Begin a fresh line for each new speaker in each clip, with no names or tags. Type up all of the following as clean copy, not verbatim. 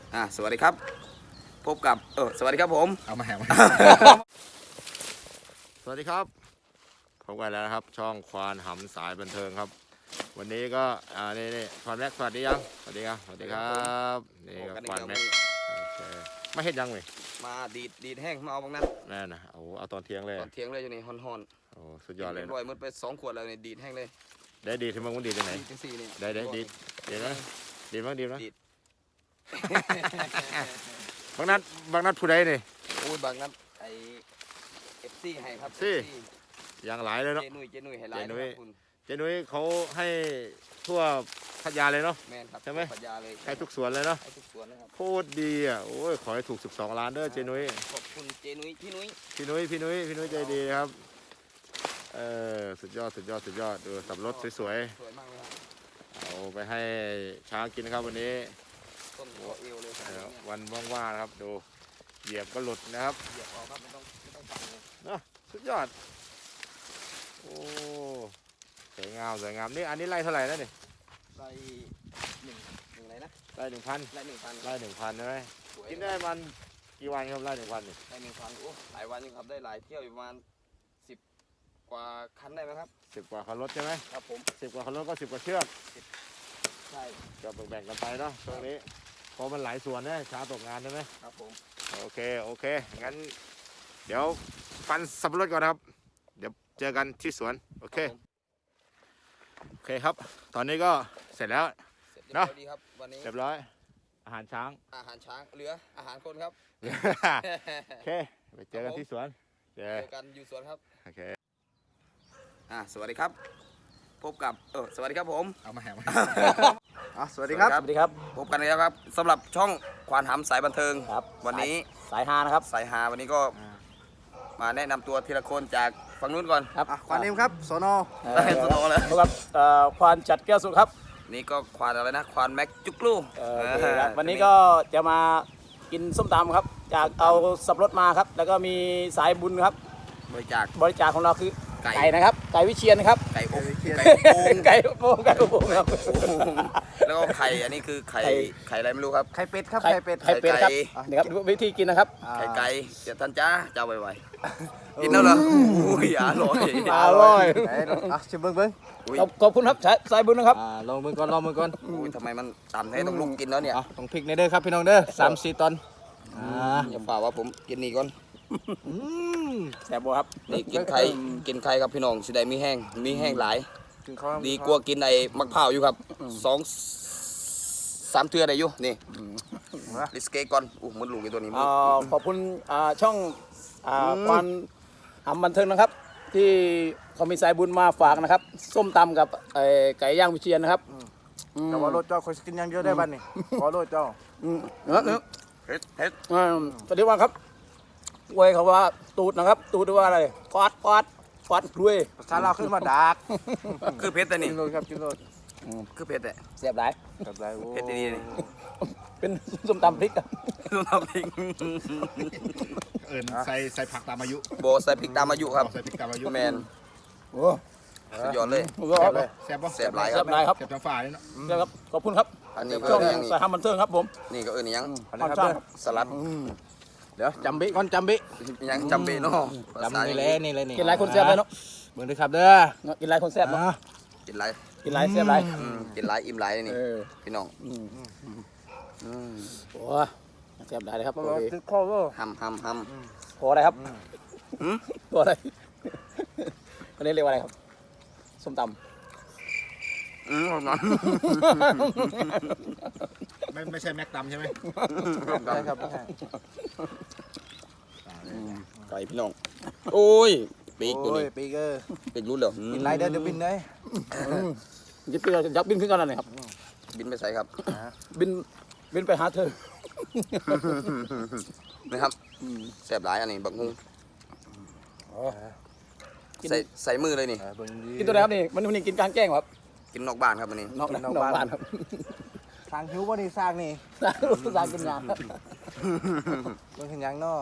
สวัสดีครับพบกับสวัสดีครับผม
เอามาแหม สวัสดีครับพบกันแล้วนะครับช่องควานหำสายบันเทิงครับวันนี้ก็นี่ควานแม็กสวัสดียังสวัสดีครับสวัสดีครับนี่ก็ควานแม็กโอเคไม่เห็นยังเลย
มาดีดแห้งมาเอาบางนั้น
แน่นะเอาตอนเที่ยงเลย
ตอนเที่ยงเลยอยู่นี่ฮอน
โอ้สุดยอดเลย
รวยมันไป2 ขวดแล้วนี่ดีดแห้งเลย
ได้ดีที่มึงมันดีที่ไหน
จังสี่นี่
ได้ดีนะดีมั้งดีนะ บางนัดผู้ใดนี่
โอ้ยบางนั้นไอFCให้ครับ
ซี่อย่างหลายเลยเนาะ
เจนุ้ยให้หลายคุณ
เจนุ้ยเขาให้ทั่วพัทยาเลยเนาะ
แม่นครับ
ใช่ไหม
พัทยาเลย
ให้ทุกสวนเลยเนาะ
ให้ทุกสวนนะครับ
โคตรดีอ่ะโอ้ยขอให้ถูก12 ล้านเด้อเจนุ้ย
ขอบคุณเจนุ้ยพี่นุ้ย
ใจดีครับสุดยอดดูสับรถสวย
มากเลยครับ
เอาไปให้ช้างกินนะครับวันนี้
ต้นหัวเอวเลย
วันว่างๆนะครับดูเหยียบก็หลุดนะครับ
เหยียบออกครับไม่ต้องฝังเลย
เนาะสุดยอดโอ้สวยงามนี่อันนี้ไล่เท่าไหร่นะนี่
ไล่หนึ่งอะไรนะ
ไล่1,000
ไล่1,000
ใช่ไหมกินได้มันกี่วันครับไล่1,000นี่
ไล่1,000โอ้หลายวันอยู่ครับได้หลายเที่ยวอยู่ประมาณ10 กว่าคันได้ไหมครับ
10 กว่าคันรถใช่ไหม
ครับผม
10 กว่าคันรถก็10 กว่าเชือก
ใช่
ก็แบ่งกันไปเนาะตรงนี้เพราะมันหลายส่วนนะช้าตกงานใช่ไหม
ครับผม
โอเคงั้นเดี๋ยวฟันสับปะรดก่อนนะครับเดี๋ยวเจอกันที่สวนโอเคครับตอนนี้ก็เสร็จแล้ว
เนาะดีครับวันนี้
เรียบร้อยอาหารช้าง
เหลืออาหารคนครับ
โอเคไปเจอกันที่สวน
เจอกันอยู่สวนครับ
โอเค
สวัสดีครับพบกับสวัสดีครับผม
เอามาแหม
สวัสดีครับพบกันแล้วครับสำหรับช่องควานหำสายบันเทิง
ครับ
วันนี้
สายฮานะครับ
สายฮาวันนี้ก็มาแนะนำตัวทีละคนจากฝั่งนู้นก่อน
ครับ
ควานเอ็มครับสน
สนเลยครับควานจัดแก้วสุขครับ
นี่ก็ควานอะไรนะควานแม็กจุกลู
วันนี้ก็จะมากินส้มตำครับจากเอาสับรถมาครับแล้วก็มีสายบุญครับ
บริ
จาคของเราคือไก่นะครับไก่วิเชียนนะครับ
ไก่โป่ง
ไก่โป่งครับ
แล้วก็ไข่อันนี้คือไข่อะไรไม่รู้ครับ
ไข่เป็ดครับไข่เป็ดครับนี่ครับวิธีกินนะครับ
ไก่เดี๋ยวท่านจ้าเจ้าไวๆกินแล้วเหรออุ้ยอร่อย
ชิมเบิ้งขอบคุณครับสายบุญนะครับ
ลองมือก่อน
อุ้ยทำไมมันต่ำแท้ต้องลุกกินแล้วเนี่ย
ต้องพริกในเด้อครับพี่น้องเด้อ3-4 ตอน
อย่าฝ่าว่าผมกินนี่ก่อน
แซ่บบ่ครับ
นี่กินไข่ครับพี่น้องสิได้มีแห้งหลายดีกว่ากินไอ้มะพร้าวอยู่ครับ2-3 เทื่อได้อยู่นี่ลิสเกก่อนมันลูกไอ้ตัวนี้
ขอบคุณช่องควานหำบันเทิงนะครับที่เขามีสายบุญมาฝากนะครับส้มตำกับไก่ย่างวิเชียนนะครับ
แต่ว่าโรดเจ้าคอยกินอย่างเดียวได้บ้านนี่ขอโรดเจ้า
เฮ็ด
สวัสดีครับอวยเขาว่าตูดนะครับตูดว่าอะไรกอดรวย
ภาษาเราขึ้นมาดัก
คือเพชรแต่นี่
กินโรดครับกินโรด
คือเพชรแต่
เสียบหลาย
เพชรดีนี่
เป็นส้มตำพริกครับ
ส้มตำพริก
ใส่ผักตามอายุ
โบใส่พริกตามอายุครับ
ใส่พริกตามอายุ
แมน
โอ้
สุดยอดเลย
แซ่บป่ะ
แซ่บหลายครับ
แ
ซ่บทั้งฝ่ายเลยเนาะ
ครับขอบคุณครับ
อันนี้
ช่องสายหำบันเทิงครับผม
นี่ก็ยังสลัด
เดี๋ยวจำบิก่อนจำบิ
ยังจำบิเนาะ
นี่เลยกินหลายคนแซ่บเลยเนาะเบิ่งด้วยครับเด้อกินหลายคนแซ่บเนาะ
กินหลาย
แซ่บหลาย
กินหลายอิ่มหลายนี่พี่น้อง
โอ้แซ่บหลายเลยครับ
ติดคอก็
ห
พออะไรครับพออะไรอันนี้เรียกว่าอะไรครับส้มตำ
ไม่ใช่แม็กตำใช่ไหม
ใช่ครับ
ไก่พี่น้องโอ้ยปีกตัวนี้ปีกรู้เหรอ
บินไรเดี๋ยวบินเลย
ยับบินขึ้นกันอะไรครับ
บินไปใส่ครับ
บินไปหาเธอ
นะครับแซ่บหลายอันนี้บักฮุ้งใส่มือเลยนี่
กินตัวไหนครับนี่มันกินกลางแจ้งครับ
กินนอกบ้านครับวันนี้
นอกบ้านครับ
ทางหิวว่านี่สร้างนี่
สร้างกินงาน
ต้องเห็นยังเนาะ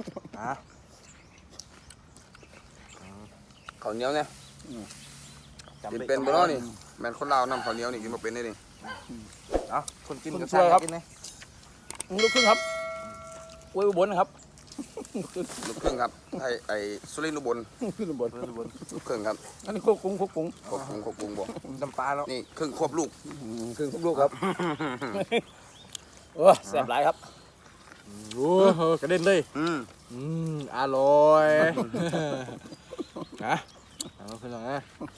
ข้าวเหนียวเนี่ยกินเป็นบ่เนาะนี่แม่นคนลาวนำข้าวเหนียวนี่กินบ่เป็นได้นี่
คนกินก็สร้างกินนี่
ลูกครึ่งครับอวยอุบลนะครับ
ลูกครึ่งครับไอ้สุรินทร์อุบล
ขึ้นอุบล
ลูกครึ่งครับ
อันนี้ควบคุม
ควบคุมบ่
น้ำปลาแล้ว
นี่ครึ่งควบลูก
ครึ่งลูกครับโอ้แซ่บหลายครับ
โอ้โหกระเด็นเลย อร่อยนะเอาขึ้นหน่อยนะ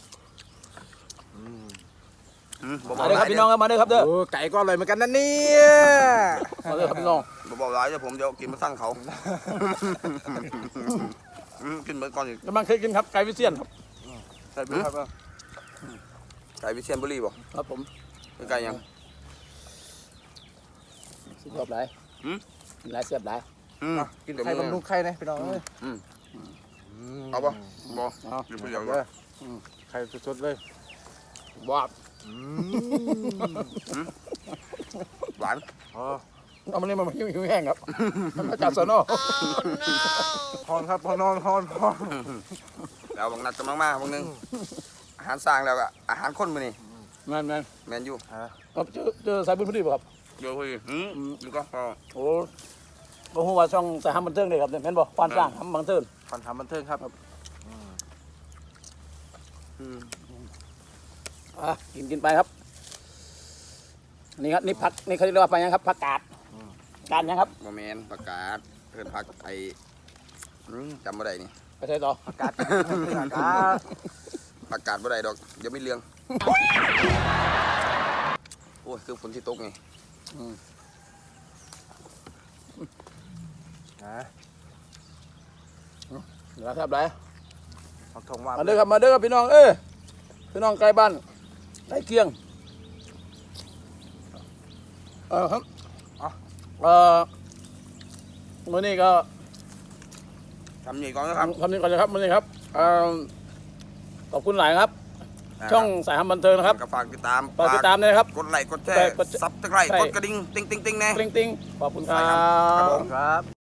บ่
มาเด้อครับพี่น้องครับมาเด้อครับเด้อ
โอ้ไก่ก็อร่อยเหมือนกันนะเนี่ย
มาเด้อครับพี่น้อง
บ่หลายเดี๋ยวผมจะกินมาสั่งเขากินเบิดก่อนอีก
กำลังเคยกินครับไก่วิเชียนครับ
ใส่ไปครับ
ไก่วิเชียรบุรีบ่
ครับผม
ไก่ยัง
สุดยอดหลาย
หืม
หลายแซ่บหลาย
กินไข่บำรุงไข่นะพี่น้องเอ้ย
เอาบ่บ่
เอา
อยู่ผู้เดียว
เด้อไข่สดๆเลย
ว้าบ
หวาน
อ๋อ
เอามันนี่มันหิวแห้งครับมันมาจากสนอ
พอนครับพอนอนพอน
แล้วบางนัดกำลังมาบางนึงอาหารสร้างแล้วก็อาหารคนมื้อนี้
แม่น
แมนยู
ครับเจอสายบุญพอดีป่ะครับ
เดี๋ยวคุยนี่ก็พอ
โอ้บ่ฮู้ว่าช่องสายหำบันเทิงเลยครับเนี่ยแม่นบ่ควานสร้างหำบันเทิง
คอนทำบันเทิงครับ
กินไปครับนี่ครับนี่ผักนี่เขาเรียกว่าผักยังครับผักกาดกาดยังครับ
บ่แม่นประกาศเพิ่นพักไอ้จำบ่ได้นี่
ไปใส่ต่อ
อากาศอากาศ
ประกาศบ่ได้ดอกเดี๋ยวมีเรื่องโอ้ยคือฝนที่ตกไง
นะ
เดี๋ยวครับไร
ผักทองว่า
มาเด้อครับพี่น้องพี่น้องใกล้บ้านใกล้เคียงครับมื้อนี้ก็
ทำนี่ก่อนนะครับ
ทำนี้ก่อนเลยครับมื้อนี้ครับขอบคุณหลายครับ ช่องสายหำบันเทิงนะครับ
ก็ฝากติดตาม
ฝากติดตามด้วยนะครับ
กดไลค์กดแชร์
กด
ซับสไครต์กดกระดิ่งติ๊งๆๆแน่
ติ้งขอบคุณครั
ครับ
บ
ผม
ครับ